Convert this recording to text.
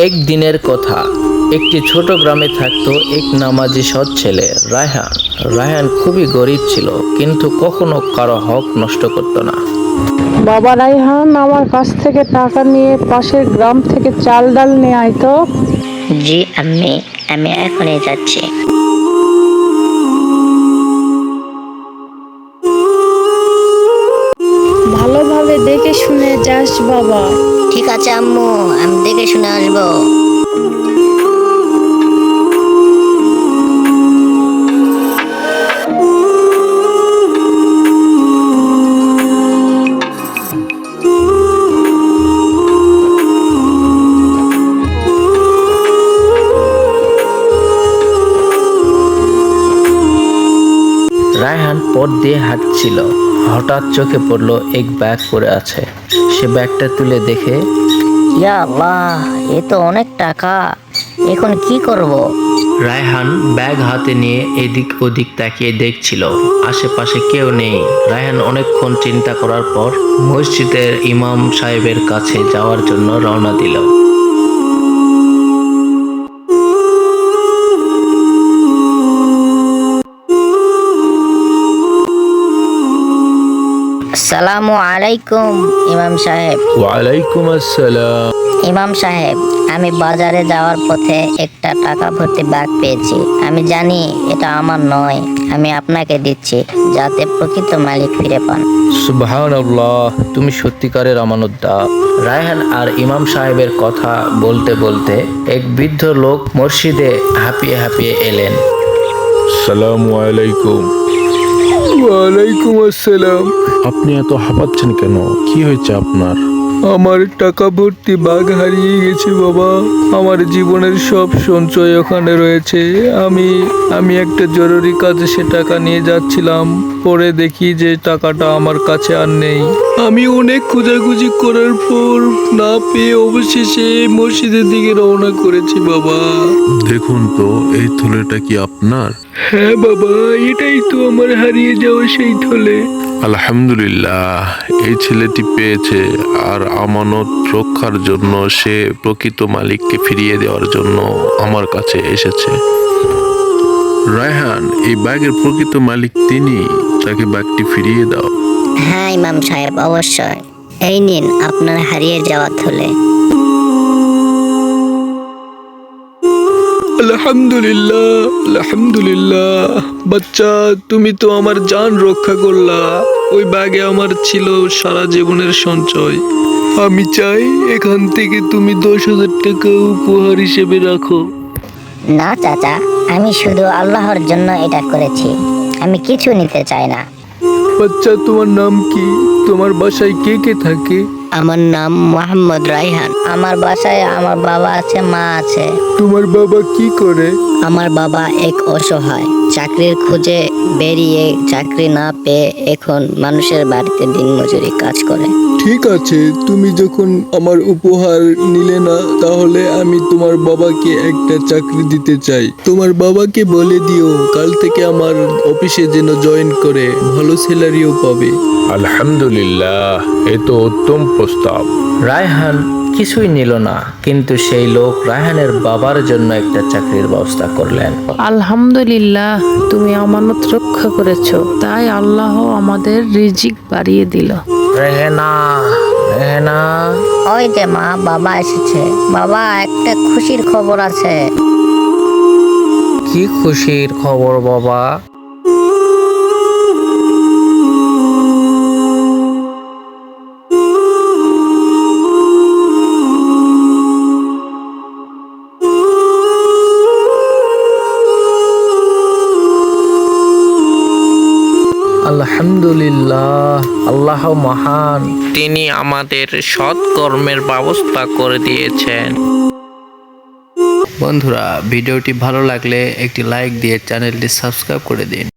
এক দিনের কথা, একটি ছোট গ্রামে থাকতো এক নামাজি সৎ ছেলে রায়হান। রায়হান খুবই গরিব ছিল, কিন্তু কখনো কারো হক নষ্ট করত না। বাবা রায়হান, আমার কাছ থেকে টাকা নিয়ে পাশের গ্রাম থেকে চাল ডাল নিয়ে আয় তো। জি আম্মি, আমি এখনই যাচ্ছি। ভালোভাবে দেখে শুনে যাস বাবা। ঠিক আছে আম্মু, আমি দেখে শুনে আসবো। রায়হান পথ দিয়ে হাঁটছিল, হঠাৎ চোখে পড়লো এক ব্যাগ পড়ে আছে। সে ব্যাগটা তুলে দেখে, ইয়া আল্লাহ, এ তো অনেক টাকা, এখন কি করব? রায়হান ব্যাগ হাতে নিয়ে এদিক ওদিক তাকিয়ে দেখছিল, আশেপাশে কেউ নেই। রায়হান অনেকক্ষণ চিন্তা করার পর মসজিদের ইমাম সাহেবের কাছে যাওয়ার জন্য রওনা দিল। আসসালামু আলাইকুম ইমাম সাহেব। ওয়ালাইকুম আসসালাম। ইমাম সাহেব, আমি বাজারে যাওয়ার পথে একটা টাকা ভর্তি ব্যাগ পেয়েছি। আমি জানি এটা আমার নয়, আমি আপনাকে দিচ্ছি যাতে প্রকৃত মালিক ফিরে পান। সুবহানাল্লাহ, তুমি সত্যিকারের আমানতদার। রায়হান আর ইমাম সাহেবের কথা বলতে বলতে এক বৃদ্ধ লোক মসজিদে হাঁপিয়ে হাঁপিয়ে এলেন। আসসালামু আলাইকুম। ওয়ালাইকুম আসসালাম। আপনি এত হাঁপাচ্ছেন কেন? কি হয়েছে আপনার? আমার টাকা ভর্তি ব্যাগ হারিয়ে গেছে বাবা। আমার জীবনের সব সঞ্চয় ওখানে রয়েছে। আমি একটা জরুরি কাজে সে টাকা নিয়ে যাচ্ছিলাম, পরে দেখি যে টাকাটা আমার কাছে আর নেই। আমি অনেক খোঁজাখুঁজি করার পর না পেয়ে অবশেষে মসজিদের দিকে রওনা করেছি বাবা। দেখুন তো, এই থলেটা কি আপনার? হ্যাঁ বাবা, এটাই তো আমার হারিয়ে যাওয়া সেই থলে। আলহামদুলিল্লাহ, এই ছেলেটি পেয়েছে, আর আমানত রক্ষার জন্য সে প্রকৃত মালিককে ফিরিয়ে দেওয়ার জন্য আমার কাছে এসেছে। রায়হান, এই ব্যাগের প্রকৃত মালিক তিনি, তাকে ব্যাগটি ফিরিয়ে দাও। হ্যাঁ ইমাম সাহেব, অবশ্যই। এই নিন আপনার হারিয়ে যাওয়া থলে। আলহামদুলিল্লাহ, আলহামদুলিল্লাহ। বাচ্চা, তুমি তো আমার জান রক্ষা করলা। ওই ব্যাগে আমার ছিল সারা জীবনের সঞ্চয়। আমি চাই এখান থেকে তুমি 10,000 টাকা উপহার হিসেবে রাখো। না চাচা, আমি শুধু আল্লাহর জন্য এটা করেছি, আমি কিছু নিতে চাই না। বাচ্চা, তোমার নাম কি? তোমার বাসায় কে কে থাকে? আমার নাম মোহাম্মদ রায়হান। আমার বাসায় আমার বাবা আছে, মা আছে। তোমার বাবা কি করে? আমার বাবা এক অসহায়, চাকরির খোঁজে বেরিয়ে চাকরি না পেয়ে এখন মানুষের বাড়িতে দিনমজুরি কাজ করে। ঠিক আছে, তুমি যখন আমার উপহার নিলে না, তাহলে আমি তোমার বাবাকে একটা চাকরি দিতে চাই। তোমার বাবাকে বলে দিও কাল থেকে আমার অফিসে যেন জয়েন করে, ভালো স্যালারিও পাবে। আলহামদুলিল্লাহ, এ তো উত্তম প্রস্তাব। রায়হান কিছুই নিল না, কিন্তু সেই লোক রায়হানের বাবার জন্য একটা চাকরির ব্যবস্থা করলেন। আলহামদুলিল্লাহ, তুমি আমানত রক্ষা করেছো, তাই আল্লাহ আমাদের রিজিক বাড়িয়ে দিল। রেহেনা, রেহেনা। ওই যে মা, বাবা এসেছে। বাবা, একটা খুশির খবর আছে। কি খুশির খবর বাবা? আলহামদুলিল্লাহ, আল্লাহ মহান, তিনি আমাদের সৎ কর্মের ব্যবস্থা করে দিয়েছেন। বন্ধুরা, ভিডিওটি ভালো লাগলে একটি লাইক দিয়ে চ্যানেলটি সাবস্ক্রাইব করে দিন।